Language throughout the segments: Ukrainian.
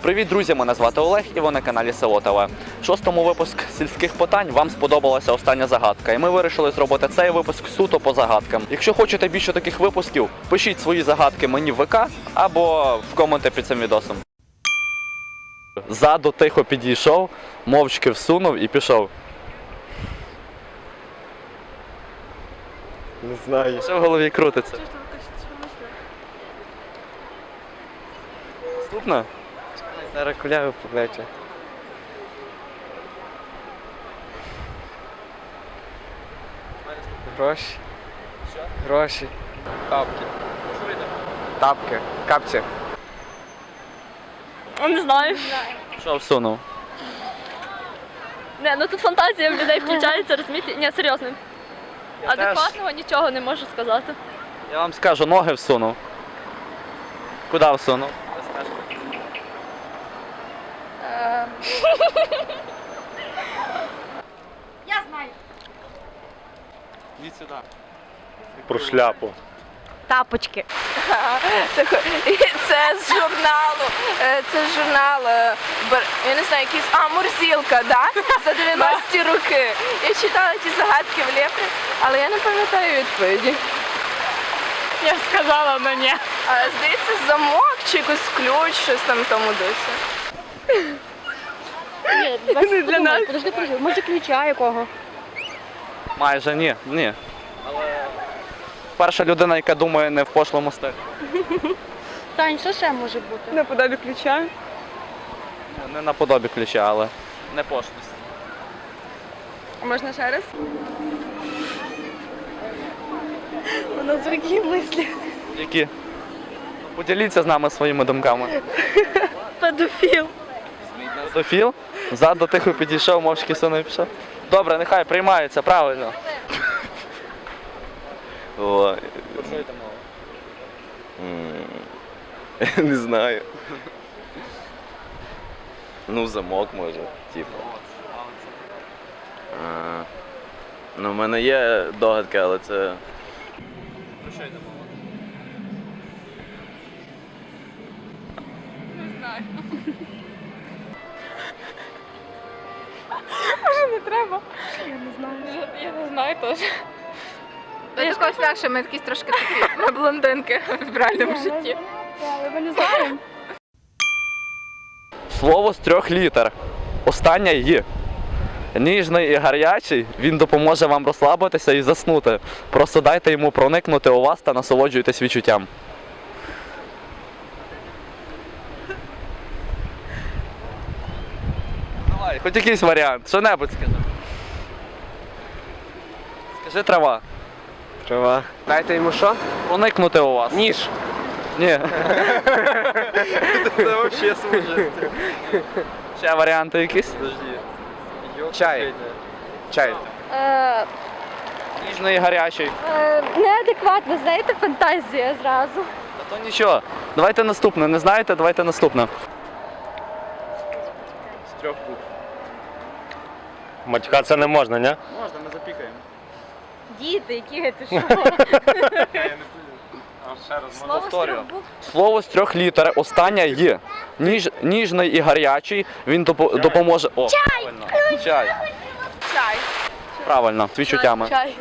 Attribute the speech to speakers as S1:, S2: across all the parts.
S1: Привіт, друзі! Мене звати Олег і ви на каналі Село ТВ. В 6-му випуску сільських питань вам сподобалася остання загадка. І ми вирішили зробити цей випуск суто по загадкам. Якщо хочете більше таких випусків, пишіть свої загадки мені в ВК або в коменти під цим відосом. Ззаду тихо підійшов, мовчки всунув і пішов.
S2: Не знаю.
S1: Що в голові крутиться? Наступне?
S2: Зараз куляви покличе. Гроші.
S1: Що?
S2: Гроші. Тапки. Тапки. Капці.
S3: Не знаю.
S1: Що всунув?
S3: Не, ну тут фантазія в людей включається, розумієте? Ні, серйозно. Адекватного нічого не можу сказати.
S1: Я вам скажу, ноги всунув. Куди всунув?
S3: Я знаю.
S1: Йдіть сюди.
S2: Про шляпу.
S3: Тапочки.
S4: Це з журналу. Це з журналу. Я не знаю, якийсь. Мурзилка, да? За 90-ті роки. Я читала ті загадки в Лєпрі, але я не пам'ятаю відповіді.
S3: Я сказала, але ні.
S4: Здається, замок чи якийсь ключ, щось там тому досі.
S3: Не для нас. Подожди, може ключа якого?
S1: Майже ні, ні. Але перша людина, яка думає не в пошлому стилі.
S3: Тань, що ще може бути?
S4: Наподобі ключа.
S1: Не наподобі ключа, але не пошлість.
S4: Можна ще раз?
S3: У нас які мислі.
S1: Які? Поділіться з нами своїми думками.
S3: Педофіл.
S1: Педофіл? Ззаду тихо підійшов, мовчки сунув і пішов. Добре, нехай приймається, правильно.
S2: Ой.
S1: Про що йде мова?
S2: Не знаю. Ну, замок може, типу. Ну, в мене є догадки, але це...
S1: Про що йде мова?
S4: Не треба.
S3: Я не знаю теж.
S4: До якогось легше, ми якісь трошки такі ми блондинки в реальному житті.
S3: Але ми не знаємо.
S1: Слово з 3 літер. Остання «й». Ніжний і гарячий, він допоможе вам розслабитися і заснути. Просто дайте йому проникнути у вас та насолоджуйтесь відчуттям. Давай, хоч якийсь варіант, що-небудь скажи. Скажи трава.
S2: Трава. Дайте йому що?
S1: Проникнути у вас.
S2: Ніж.
S1: Ні.
S2: Це взагалі служить.
S1: Ще варіанти якісь?
S2: Чай. Чай.
S1: Ніжний і гарячий.
S3: Неадекватно, знаєте, фантазія зразу.
S1: Та то нічого. Давайте наступне. Не знаєте, давайте наступне. З 3 букв.
S5: Матюкатися не можна, ні?
S1: Можна, ми запікаємо.
S3: Діти, які ти що? Слово з
S1: Повторюю.
S3: 3 букв.
S1: Слово з 3 літер, остання «й». Ніжний і гарячий, він допоможе... О, правильно. Чай.
S4: Чай.
S1: Правильно, з відчуттями.
S3: Чай.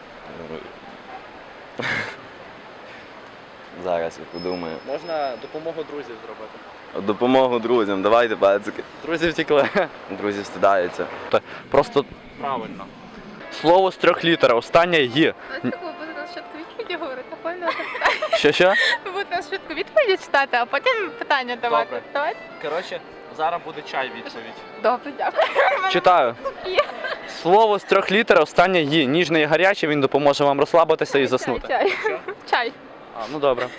S2: Зараз я подумаю.
S1: Можна допомогу друзів зробити.
S2: Допомогу друзям, давайте, пацики.
S1: Друзі втекли.
S2: Друзі встидаються.
S1: Просто правильно. Слово з 3 літер, остання «й».
S4: Ви будете нас швидко відповіді говорити, поняли?
S1: Що?
S4: Ви будете нас швидко відповіді читати, а потім питання давати.
S1: Добре.
S4: Давайте?
S1: Коротше, зараз буде чай відповідь.
S4: Добре, дякую.
S1: Читаю. Слово з 3 літер, останнє «й». Ніжний і гарячий, він допоможе вам розслабитися і заснути.
S4: Чай. Чай.
S1: Ну добре.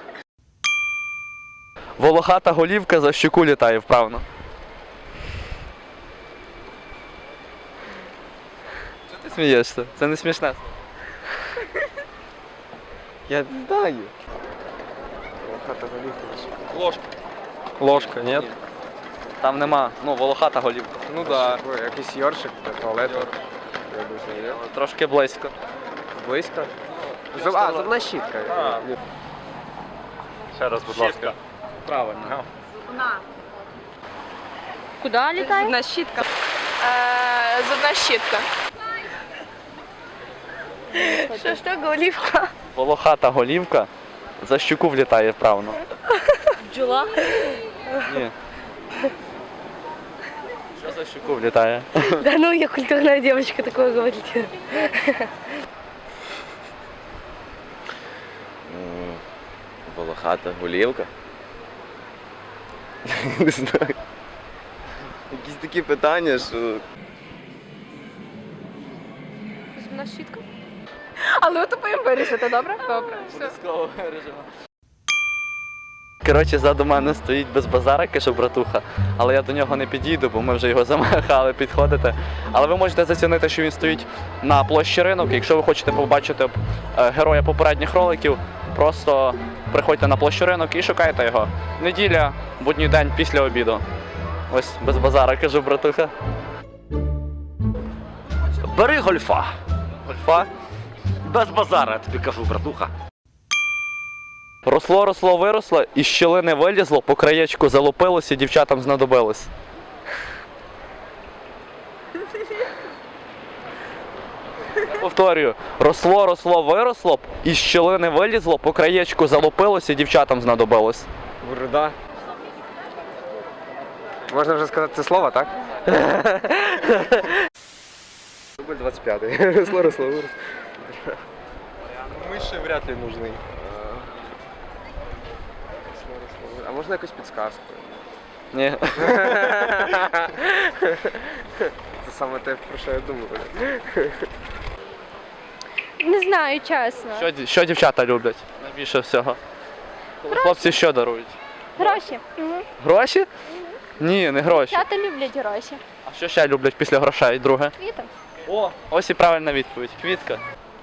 S1: Волохата голівка за щуку літає вправно. Чого ти смієшся? Це не смішне.
S2: Я не знаю.
S1: Ложка.
S2: Ложка, ні?
S1: Там нема. Ну, волохата голівка.
S2: Ну так. Да. Якийсь йоршик для туалету.
S1: Трошки близько.
S2: Близько? Зубна щітка.
S5: Ще раз, будь ласка.
S1: Правильно.
S3: На. Куди літає?
S4: Зубна щітка. Зубна щітка. Що, голівка?
S1: Волохата голівка за щуку влітає вправно.
S3: Бджола.
S1: Ні. Що за щуку влітає?
S5: Да ну, я культурная девочка, такое говорить.
S2: Волохата голівка. Не знаю. Якісь такі питання, що.
S3: Зубна щітка.
S4: Але ви тупо їм вирішите, добре? Добре. Все.
S1: Коротше, ззаду мене стоїть без базара, каже братуха, але я до нього не підійду, бо ми вже його замахали підходити. Але ви можете зацінити, що він стоїть на площі Ринок. Якщо ви хочете побачити героя попередніх роликів, просто приходьте на площу Ринок і шукайте його. Неділя, будній день після обіду. Ось без базара, кажу братуха.
S6: Бери гольфа.
S1: Гольфа.
S6: Без базара, я тобі кажу, братуха.
S1: Росло, росло, виросло, із щілини вилізло, по краєчку залупилось і дівчатам знадобилось. Я повторюю, росло, росло, виросло, із щілини вилізло, по краєчку залупилось і дівчатам знадобилось.
S7: Борода. Можна вже сказати це слово, так? Рубль 25. Росло, росло, вырос. Мыши вряд ли нужны. А можна якусь підсказку?
S1: Ні.
S7: Це саме те, про що я думаю.
S5: Не знаю, чесно.
S1: Що дівчата люблять? Найбільше всього. Коли хлопці що дарують?
S5: Гроші.
S1: Гроші? Ні, не гроші.
S5: Дівчата люблять гроші.
S1: А що ще люблять після грошей, друге?
S5: Квіти.
S1: О, ось і правильна відповідь. Квітка.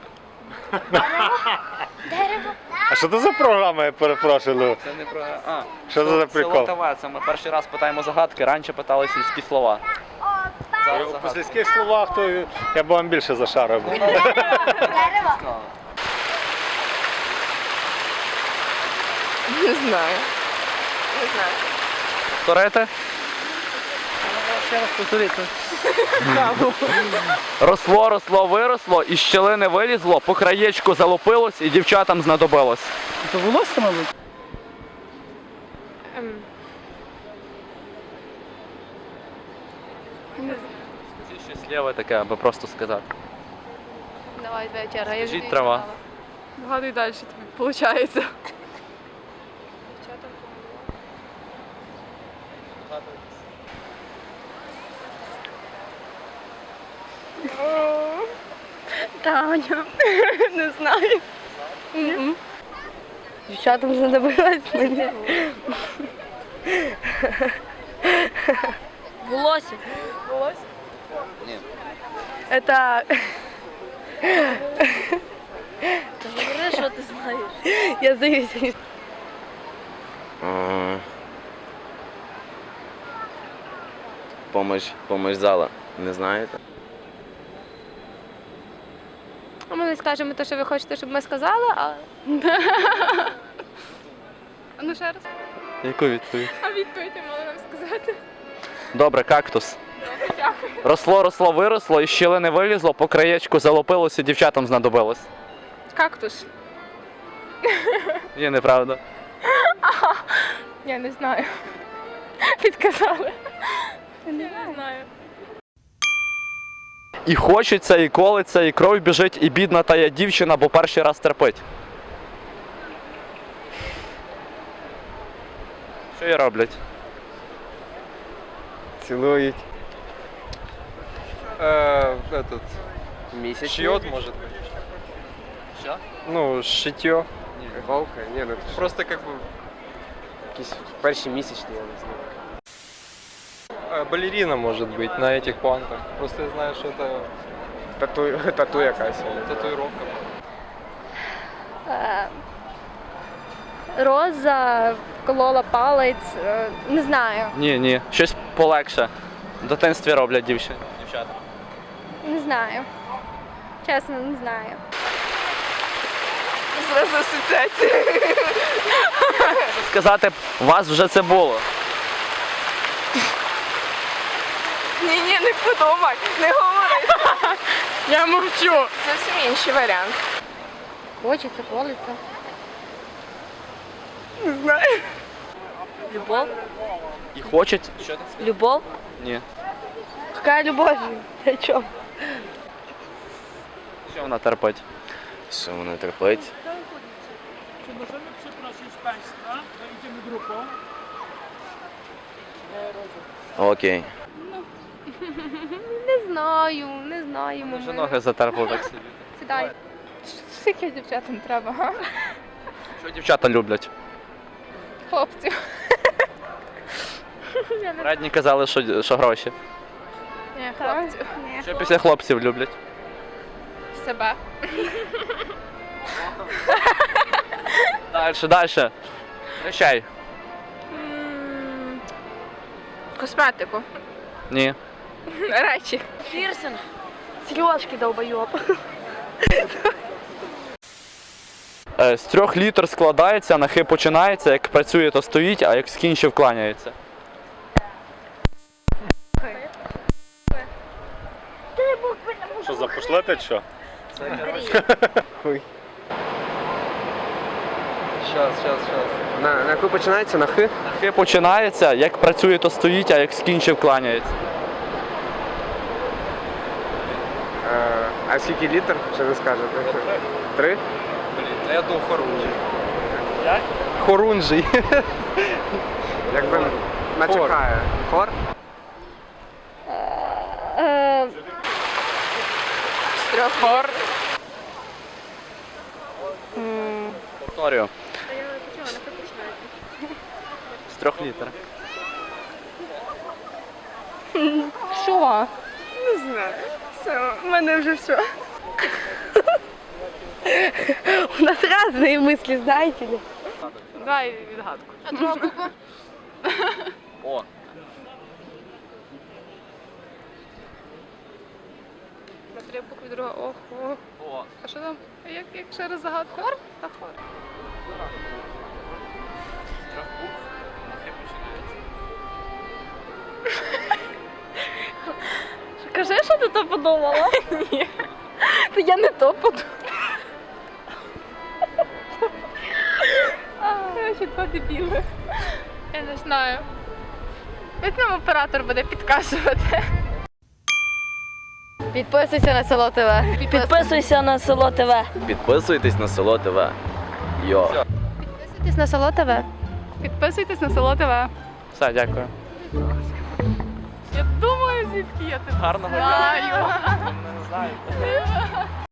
S8: А що це за програма, я перепрошую?
S1: Це не про. А,
S8: Що це за прикол?
S1: Село ТВ, це ми перший раз питаємо загадки, раніше питали сільські слова. Зараз
S8: По
S1: загадки.
S8: сільських словах, то я б вам більше зашарив.
S1: Сказали.
S4: Не знаю. Не знаю.
S1: Повторите?
S7: Ще раз повторити.
S1: Росло, росло, виросло, із щелини вилізло, по краєчку залупилось і дівчатам знадобилось.
S7: Це волосся, мабуть?
S1: Скажіть щось ліве таке, аби просто сказати.
S4: Давай, вечора. Я
S1: Скажіть трава.
S4: Вгадуй далі, тобі виходить.
S5: Таня. Не знаю. Дівчатам знадобилось мені.
S3: Волосся.
S5: Это...
S3: Говори, що ти знаєш.
S5: Я здаюся.
S2: Помощь зала. Не знаєте?
S5: Ми не скажемо те, що ви хочете, щоб ми сказали, а...
S4: Ну ще раз.
S1: Яку відповідь?
S4: А відповідь я мала нам сказати.
S1: Добре, кактус. Росло, росло, виросло, із щілини вилізло, по краєчку залупилось і дівчатам знадобилось.
S4: Кактус.
S1: Ні, неправда.
S4: Я не знаю. Підказали. Я не знаю.
S1: І хочеться, і колиться, і кров біжить, і бідна тая дівчина, бо перший раз терпить. Що їй роблять?
S7: Цілують. Этот... Місяць.
S8: Шьет, может быть.
S1: Що?
S8: Ну, шитье.
S7: Голка? Ні, ну це просто як би... Якісь перші місячні, я не знаю.
S8: Балерина, может быть, на этих планках. Просто я знаю, что это
S7: Тату якась.
S8: татуировка.
S5: Роза вколола палець, не знаю.
S1: Ні. Щось полегше. В дитинстві роблять дівчата.
S5: Не знаю. Чесно, не знаю.
S4: Зразу асоціація.
S1: Сказати, у вас вже це було.
S4: Ні, не подумай, не говори.
S3: Я мовчу.
S4: Зовсім інший варіант.
S5: Хочеться, колиться.
S3: Любов?
S1: І хочуть. Що ти?
S3: Любов?
S1: Ні.
S5: Яка любов? Ти чому?
S1: Що вона терпить?
S2: Що вона терпить? Окей.
S5: Не знаю.
S1: Вже ноги затерпли так собі.
S5: Сідай. Скільки дівчатам треба, га?
S1: Що дівчата люблять?
S5: Хлопців.
S1: Радні казали, що гроші.
S5: Ні, хлопців. Ні.
S1: Що після хлопців люблять?
S5: Себе.
S1: Дальше. Прощай.
S4: Косметику.
S1: Ні.
S4: Речі.
S3: Пірсинг.
S5: Сережки долбойоб.
S1: З 3 літер складається, на хи починається, як працює, то стоїть, а як скінчив, кланяється.
S8: Що, запошлете чи що?
S7: Щас. На яку починається? На Х?
S1: На хи починається, як працює, то стоїть, а як скінчив, кланяється.
S7: А скільки літер? Ще не скажете? 3?
S1: Блін, я думав хорунжий.
S7: Як?
S1: Хорунжий.
S7: Якби начекає. Хор?
S4: Хор.
S1: Повторюю. З 3 літер.
S5: Що?
S4: Не знаю. Все, у мене вже все.
S5: У нас різні мислі, знаєте ли?
S4: Дай відгадку.
S1: О.
S5: На 3 букви, друга охо.
S1: О.
S5: А що там? Як ще раз загадка? Хор? Та хор.
S3: Кажи, що ти то подумала?
S5: Ні. Та я не то подумала. Короче, два дебіли. Я не знаю. Як нам оператор буде підказувати? Підписуйся на село ТВ.
S3: Підписуйся на село ТВ.
S2: Підписуйтесь на село ТВ. Йо.
S5: Підписуйтесь на село ТВ. Підписуйтесь на село ТВ.
S1: Все, дякую.
S5: Я думаю, звідки я тебе
S1: Гарного
S5: знаю.
S1: дня. Не знаю.